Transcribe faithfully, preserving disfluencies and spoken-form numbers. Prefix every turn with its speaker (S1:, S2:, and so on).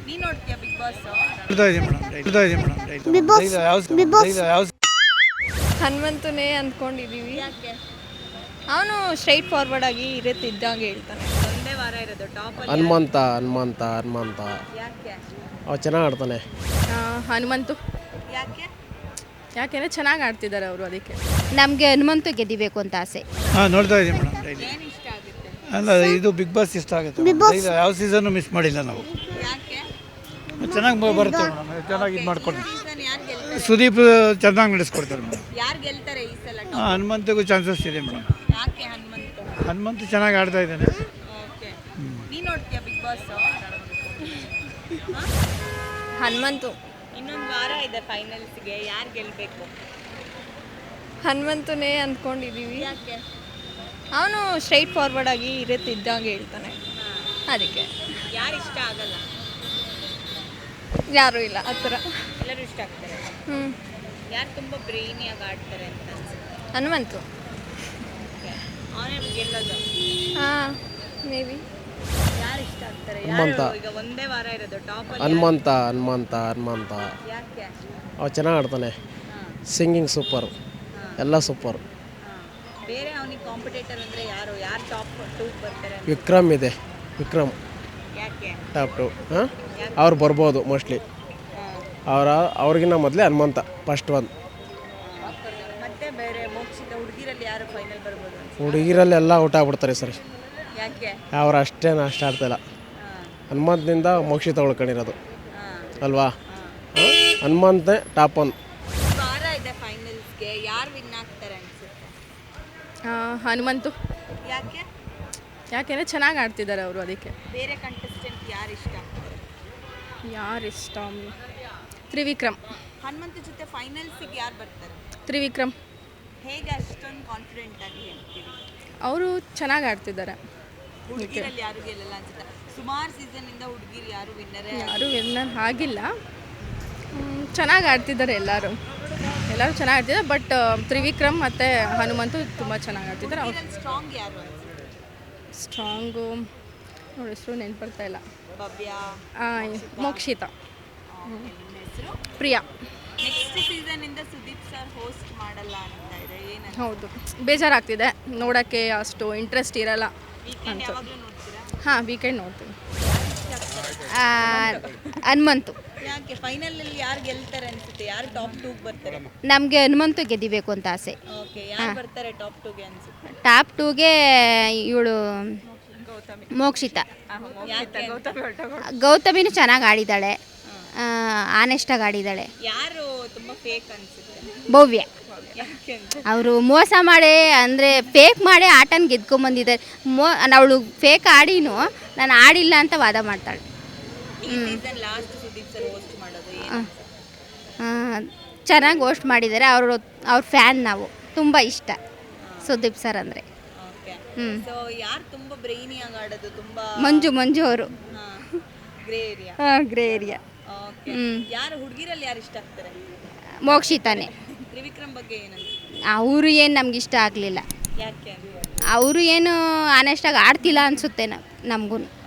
S1: ನೀನ್ ನೋಡ್ತೀಯಾ big boss?
S2: ನೋಡ್ತಾ ಇದೀನಿ ಮೇಡಮ್, ನೋಡ್ತಾ ಇದೀನಿ madam. Bigg Boss Bigg Boss ಯಾವ
S3: ಹನುಮಂತನೇ ಅಂದ್ಕೊಂಡಿದ್ದೀವಿ.
S1: ಯಾಕೆ
S3: ಅವನು ಸ್ಟ್ರೈಟ್ ಫಾರ್ವರ್ಡ್ ಆಗಿ ಇರುತ್ತೆ ಇದ್ದಂಗೆ ಹೇಳ್ತಾನೆ.
S1: ಒಂದೇ ವಾರ ಇರೋದು ಟಾಪ್ ಅಲ್ಲಿ?
S4: ಹನುಮಂತ ಹನುಮಂತ ಹನುಮಂತ
S1: ಯಾಕೆ
S4: ಅವ ಚೆನ್ನಾಗಿ ಆಡ್ತಾನೆ.
S3: ಹನುಮಂತು
S1: ಯಾಕೆ
S3: ಯಾಕೆಂದರೆ ಚೆನ್ನಾಗಿ ಆಡ್ತಿದ್ದಾರೆ ಅವರು, ಅದಕ್ಕೆ.
S5: ನಮಗೆ ಹನುಮಂತು ಗೆದಿಬೇಕು ಅಂತ ಆಸೆ.
S2: ಹಾಂ ನೋಡ್ತಾ ಇದೀನಿ ಮೇಡಮ್.
S1: ಏನ್ ಇಷ್ಟ ಆಗುತ್ತೆ?
S2: ಅಲ್ಲ ಇದು ಬಿಗ್ ಬಾಸ್ ಇಷ್ಟ ಆಗುತ್ತೆ. ಈಗ ಯಾವ ಸೀಸನ್ನು ಮಿಸ್ ಮಾಡಿಲ್ಲ ನಾವು.
S1: ಯಾಕೆ
S2: ಚೆನ್ನಾಗಿ ಬರುತ್ತೆ ಮೇಡಮ್, ಚೆನ್ನಾಗಿ ಇದು ಮಾಡ್ಕೊಂಡು.
S1: ಸೀಸನ್ ಯಾರು ಗೆಲ್ತಾರೆ?
S2: ಸುದೀಪ್ ಚೆನ್ನಾಗಿ ನಡೆಸ್ಕೊಡ್ತಾರೆ ಮೇಡಮ್.
S1: ಯಾರು ಗೆಲ್ತಾರೆ ಈ ಸಲ?
S2: ಹಾಂ ಹನುಮಂತಿಗೂ ಚಾನ್ಸಸ್ ಇದೆ ಮೇಡಮ್.
S1: ಯಾಕೆ ಹನುಮಂತ?
S2: ಹನುಮಂತು ಚೆನ್ನಾಗಿ ಆಡ್ತಾ ಇದ್ದಾನೆ.
S1: ಓಕೆ, ನೀನ್ ನೋಡ್ತೀಯಾ ಬಿಗ್ ಬಾಸ್?
S3: ಹನುಮಂತು.
S1: ಇನ್ನೊಂದು ವಾರ ಇದೆ ಫೈನಲ್ಸ್ಗೆ, ಯಾರು ಗೆಲ್ಬೇಕು?
S3: ಹನುಮಂತನೇ ಅಂದ್ಕೊಂಡಿದ್ದೀವಿ.
S1: ಯಾಕೆ
S3: ಅವನು ಸ್ಟ್ರೈಟ್ ಫಾರ್ವರ್ಡ್ ಆಗಿ ಇರುತ್ತೆ ಇದ್ದಂಗೆ ಹೇಳ್ತಾನೆ, ಅದಕ್ಕೆ.
S1: ಯಾರು ಇಷ್ಟ ಆಗಲ್ಲ?
S3: ಯಾರೂ ಇಲ್ಲ ಆ ಥರ.
S1: ಎಲ್ಲರೂ ಇಷ್ಟ ಆಗ್ತಾರೆ.
S3: ಹ್ಞೂ
S1: ಯಾರು ತುಂಬ ಬ್ರೈನಿಯಾಗಿ ಆಡ್ತಾರೆ ಅಂತ ಅನ್ಸುತ್ತೆ?
S3: ಹನುಮಂತು.
S1: ಅವನೇ ಗೆಲ್ಲೋದು?
S3: ಹಾಂ, ಮೇ ಬಿ.
S1: ಯಾರು ಇಷ್ಟ ಆಗ್ತಾರೆ?
S4: ಹನುಮಂತ.
S1: ಯಾರು ಈಗ ಒಂದೇ ವಾರ ಇರೋದು ಟಾಪ್ ಅಲ್ಲಿ?
S4: ಹನುಮಂತ ಹನುಮಂತ ಹನುಮಂತ
S1: ಯಾಕೆ
S4: ಅವ ಚೆನ್ನಾಗಿ ಆಡ್ತಾನೆ. ಸಿಂಗಿಂಗ್ ಸೂಪರ್, ಎಲ್ಲ ಸೂಪರ್.
S1: ಬೇರೆ ಅವನಿಗೆ ಕಾಂಪಿಟೇಟರ್ ಅಂದರೆ ಯಾರು ಯಾರು ಟಾಪ್ ಟೂ ಬರ್ತಾರೆ?
S4: ವಿಕ್ರಮ್ ಇದೆ, ವಿಕ್ರಮ್
S1: ಯಾಕೆ
S4: ಟಾಪ್ ಟು. ಹಾಂ ಅವ್ರು ಬರ್ಬೋದು ಮೋಸ್ಟ್ಲಿ. ಅವರ ಅವ್ರಿಗಿನ್ನ ಮೊದಲೇ ಹನುಮಂತ ಫಸ್ಟ್ ಒನ್.
S1: ಮತ್ತೆ ಬೇರೆ ಮೋಕ್ಷಿತ ಹುಡುಗಿರಲ್ಲಿ ಯಾರು ಫೈನಲ್ ಬರ್ಬೋದು?
S4: ಹುಡುಗಿರಲ್ಲೆಲ್ಲ ಔಟ್ ಆಗ್ಬಿಡ್ತಾರೆ ಸರ್.
S1: ಯಾಕೆ
S4: ಅವ್ರು ಅಷ್ಟೇನು ಅಷ್ಟು ಆಡ್ತಾಯಿಲ್ಲ. ಹನುಮಂತನಿಂದ ಮೋಕ್ಷಿತ ಉಳ್ಕೊಂಡಿರೋದು ಅಲ್ವಾ? ಹನುಮಂತನೇ ಟಾಪ್ ಒನ್.
S1: ವಾರ ಇದೆ ಫೈನಲ್ಸ್ಗೆ, ಯಾರು ವಿನ್ ಆಗ್ತಾರೆ ಅನ್ಸುತ್ತೆ?
S3: ಹನುಮಂತು.
S1: ಯಾಕೆ
S3: ಯಾಕೆಂದರೆ ಚೆನ್ನಾಗಿ ಆಡ್ತಿದ್ದಾರೆ ಅವರು, ಅದಕ್ಕೆ.
S1: ಬೇರೆ ಕಂಟೆಸ್ಟೆಂಟ್ ಯಾರು ಇಷ್ಟ ಆಗ್ತಾರೆ?
S3: ಯಾರು ಇಷ್ಟ? ತ್ರಿವಿಕ್ರಮ್.
S1: ಹನುಮಂತ ಜೊತೆ ಫೈನಲ್ಸಿಗೆ ಯಾರು ಬರ್ತಾರೆ?
S3: ತ್ರಿವಿಕ್ರಮ್.
S1: ಹೇಗೆ ಅಷ್ಟೊಂದು ಕಾನ್ಫಿಡೆಂಟ್ ಆಗಿ ಹೇಳ್ತೀವಿ?
S3: ಅವರು ಚೆನ್ನಾಗಿ ಆಡ್ತಿದ್ದಾರೆ.
S1: ಹುಡುಗಿರಲ್ಲಿ ಯಾರು ಗೆಲ್ಲಲ್ಲ ಅನ್ಸುತ್ತೆ. ಸುಮಾರು ಸೀಸನ್ ಇಂದ ಹುಡುಗಿರು ಯಾರು ವಿನ್ನರೇ
S3: ಯಾರು ವಿನ್ನರ್ ಆಗಿಲ್ಲ. ಚೆನ್ನಾಗಿ ಆಡ್ತಿದ್ದಾರೆ ಎಲ್ಲರೂ, ಎಲ್ಲರೂ ಚೆನ್ನಾಗಿ ಆಡ್ತಿದ್ದಾರೆ. ಬಟ್ ತ್ರಿವಿಕ್ರಮ್ ಮತ್ತು ಹನುಮಂತು ತುಂಬ ಚೆನ್ನಾಗಿ ಆಡ್ತಿದ್ದಾರೆ. ಅವ್ರು
S1: ಸ್ಟ್ರಾಂಗ್ ಯಾರು ಅನ್ಸುತ್ತೆ?
S3: ಸ್ಟ್ರಾಂಗು ನೋಡಿ, ಹೆಸರು ನೆನ್ಪು ಬರ್ತಾ ಇಲ್ಲ.
S1: ಭವ್ಯ,
S3: ಮೋಕ್ಷಿತ,
S1: ನಿಮ್ಮ ಹೆಸರು?
S3: ಪ್ರಿಯಾ.
S1: ನೆಕ್ಸ್ಟ್ ಸೀಸನ್ ಇಂದ ಸುದೀಪ್ ಸರ್ ಹೋಸ್ಟ್ ಮಾಡಲ್ಲ ಅಂತ ಇದೆ, ಏನು?
S3: ಹೌದು, ಬೇಜಾರಾಗ್ತಿದೆ ನೋಡೋಕ್ಕೆ, ಅಷ್ಟು ಇಂಟ್ರೆಸ್ಟ್ ಇರಲ್ಲ.
S1: ವೀಕೆಂಡ್ ಯಾವಾಗಲೂ ನೋಡ್ತೀರಾ?
S3: ಹಾಂ, ವೀಕೆಂಡ್ ನೋಡ್ತೀನಿ.
S5: ಹನುಮಂತು.
S1: ಯಾಕೆ ಫೈನಲ್ ಅಲ್ಲಿ ಯಾರು ಗೆಲ್ತಾರೆ ಅನ್ಸುತ್ತೆ? ಯಾರು ಟಾಪ್ ಟೂ ಬರ್ತಾರೆ?
S5: ನಮಗೆ ಹನುಮಂತು ಗೆದಿಬೇಕು ಅಂತ ಆಸೆ.
S1: ಓಕೆ, ಯಾರು ಬರ್ತಾರೆ ಟಾಪ್ ಟೂಗೆ ಅನ್ಸುತ್ತೆ?
S5: ಟಾಪ್ ಟೂಗೆ ಇವಳು ಮೋಕ್ಷಿತ. ಗೌತಮಿನೂ ಚೆನ್ನಾಗಿ ಆಡಿದ್ದಾಳೆ, ಆನೆಸ್ಟಾಗಿ ಆಡಿದ್ದಾಳೆ.
S1: ಯಾರು ತುಂಬಾ ಫೇಕ್ ಅನ್ಸುತ್ತೆ?
S5: ಭವ್ಯ.
S1: ಯಾಕೆ ಅಂತ?
S5: ಅವರು ಮೋಸ ಮಾಡಿ, ಅಂದರೆ ಫೇಕ್ ಮಾಡಿ ಆಟನ ಗೆದ್ಕೊಂಬಂದಿದ್ದಾರೆ. ಮೋ ಅವಳು ಫೇಕ್ ಆಡಿನೂ ನಾನು ಆಡಿಲ್ಲ ಅಂತ ವಾದ ಮಾಡ್ತಾಳೆ.
S1: ಈ season last Sudeep sir host ಮಾಡೋದು ಏನು?
S5: ಚೆನ್ನಾಗಿ ಹೋಸ್ಟ್ ಮಾಡಿದ್ದಾರೆ. ಅವರು ಅವ್ರ ಫ್ಯಾನ್ ನಾವು, ತುಂಬ ಇಷ್ಟ ಸುದೀಪ್ ಸರ್ ಅಂದರೆ.
S1: ಓಕೆ,
S5: ಹ್ಞೂ.
S1: ಸೊ ಯಾರು ತುಂಬಾ ಬ್ರೈನಿಯಾಗಿ ಆಡೋದು? ತುಂಬಾ
S5: ಮಂಜು ಮಂಜು ಅವರು
S1: grey area.
S5: Grey area.
S1: Okay, ಯಾರು ಹುಡುಗಿರಲ್ಲಿ ಯಾರು ಇಷ್ಟ ಆಗ್ತಾರೆ?
S5: ಮೋಕ್ಷಿತಾನೆ.
S1: ತ್ರಿವಿಕ್ರಮ್ ಬಗ್ಗೆ ಏನನ್ಸುತ್ತೆ?
S5: ಅವರು ಏನು ನಮ್ಗೆ ಇಷ್ಟ ಆಗಲಿಲ್ಲ.
S1: ಯಾಕೆ?
S5: ಅವರು ಏನು ಆನೆಸ್ಟಾಗಿ ಆಡ್ತಿಲ್ಲ ಅನಿಸುತ್ತೆ ನಮಗೂ.